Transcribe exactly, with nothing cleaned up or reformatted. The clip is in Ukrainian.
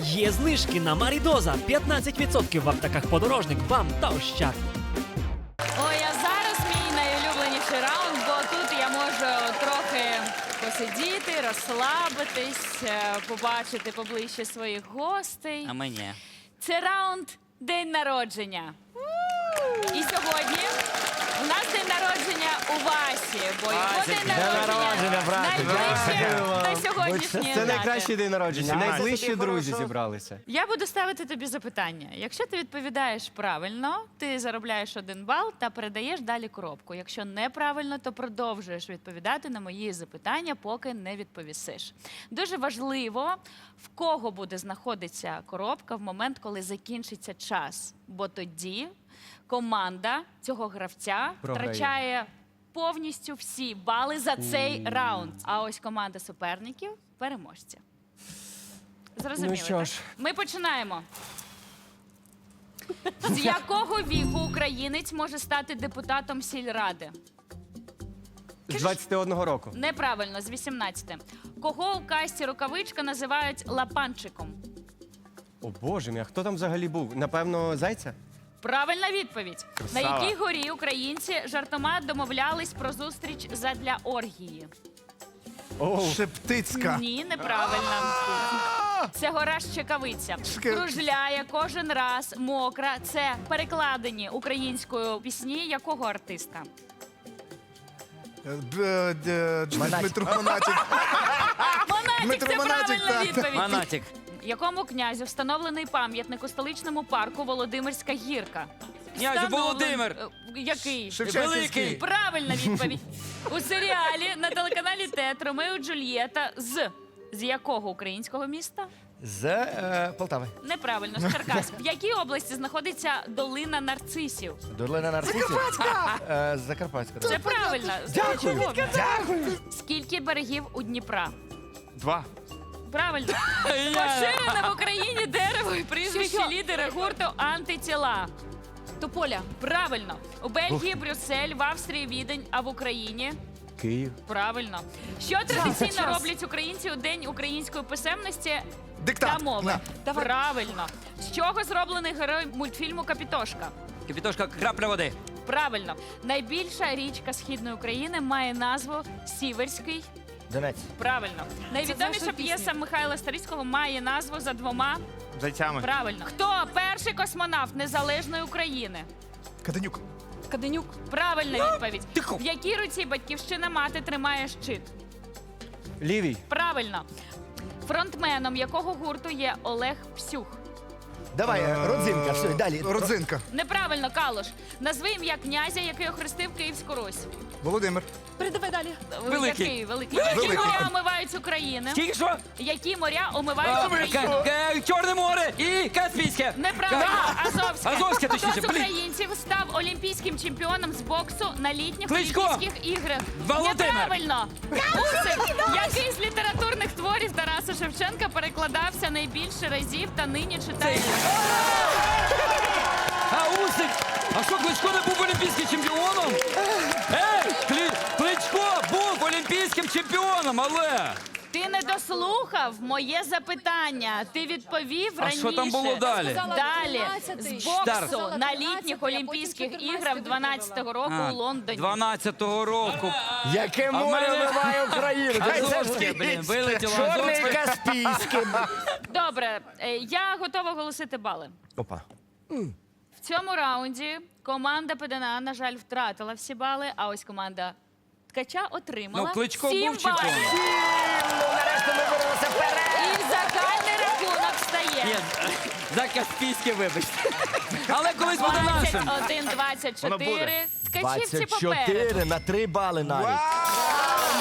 Є знижки на Марідоза п'ятнадцять відсотків в аптеках «Подорожник», «Бам» та «Ощад». Ой, а зараз мій найулюбленіший раунд, бо тут я можу трохи посидіти, розслабитись, е, побачити поближче своїх гостей. А мені. Це раунд «День народження». І сьогодні у нас день народження у Васі, бо його Васик, день день народження народження, брате, найближче дякую. до сьогоднішньої Це дати. найкращий день народження. Вісімнадцять. Найближчі друзі зібралися. Я буду ставити тобі запитання. Якщо ти відповідаєш правильно, ти заробляєш один бал та передаєш далі коробку. Якщо неправильно, то продовжуєш відповідати на мої запитання, поки не відповісиш. Дуже важливо, в кого буде знаходитися коробка в момент, коли закінчиться час. Бо тоді команда цього гравця Програє. втрачає повністю всі бали за цей раунд. А ось команда суперників – переможці. Зрозуміли, Ну що так? ж. Ми починаємо. З якого віку українець може стати депутатом сільради? З двадцяти одного року. Неправильно, з вісімнадцяти. Кого у касті «Рукавичка» називають лапанчиком? О боже мій, а хто там взагалі був? Напевно, Зайця? Правильна відповідь. На Красава. якій горі українці жартома домовлялись про зустріч задля оргії? О, Шептицька. Ні, неправильно. Це гора Щекавиця. Шке- Кружляє кожен раз, мокра. Це перекладені українською пісні якого артиста? Е, Д- д- Дмитро Монатік. Монатік, Дмитро це Монатік, правильна так. відповідь. Монатік. Якому князю встановлений пам'ятник у столичному парку Володимирська гірка? Князю Встановлен- Володимир. Е, Який? Шевченківський. Великий. Правильна відповідь. У серіалі на телеканалі ТЕТ «Ромео і Джульєта» з... З якого українського міста? З е, Полтави. Неправильно, з Черкас. В якій області знаходиться долина нарцисів? Долина нарцисів. Закарпатська. Е, Закарпатська. Це правильно. Дякую. Чого? Дякую. Скільки берегів у Дніпра? Два. Правильно. Поширене в Україні дерево і прізвище лідера гурту «Антитіла». Тополя. Правильно. У Бельгії Брюссель, в Австрії Відень, а в Україні? Київ. Правильно. Що традиційно роблять українці у День української писемності Диктат. та мови? На. Давай. Правильно. З чого зроблений герой мультфільму «Капітошка»? Капітошка, крапля води. Правильно. Найбільша річка Східної України має назву Сіверський. Донець. Правильно. Найвідоміша наша пісня. п'єса Михайла Старицького має назву за двома. Зайцями. Правильно. Хто перший космонавт незалежної України? Каденюк. Каденюк. Правильна відповідь. В якій руці батьківщина мати тримає щит? Лівій. Правильно. Фронтменом якого гурту є Олег Псюх? Давай, е, родзинка, все, далі. Родзинка. Неправильно, Калош. Назви ім'я князя, який охрестив Київську Русь. Володимир. Передавай далі. Великий. Який? Великий. Які Великий. моря омивають Україну? Тільки що? Які моря омивають Україну? К- К- Чорне море і Каспійське. Неправильно, Азовське. Азовське, Хто точніше, з блін. українців став олімпійським чемпіоном з боксу на літніх Кличко. Олімпійських іграх? Володимир. Неправильно. Усик. Який з літературних творів Тараса Шевченка перекладався найбільше разів та нині читає? А Усик! А що, Кличко не був олімпійським чемпіоном? Ей, Клі... Кличко був олімпійським чемпіоном, але... Ти не дослухав моє запитання. Ти відповів А раніше. що там було далі? Далі тринадцятий. з боксу Штар. на літніх Олімпійських іграх дванадцятого року у Лондоні. дванадцятого року. Яке А в море мене- вмиває Україну? Хай це Азовське, блін, вилетіло Чорне і Азовське. Каспійське. Добре, е, я готова оголосити бали. Опа. В цьому раунді команда ПДНА, на жаль, втратила всі бали, а ось команда Ткача отримала Ну, Кличко сім був балів. чемпіоном. Нарешті ми вирвалися вперед. І загальний рахунок Ні, стає за Каспійське, вибачте. Але колись буде нашим. двадцять один двадцять чотири. Ткачівці двадцять попереду. чотири на три бали навіть.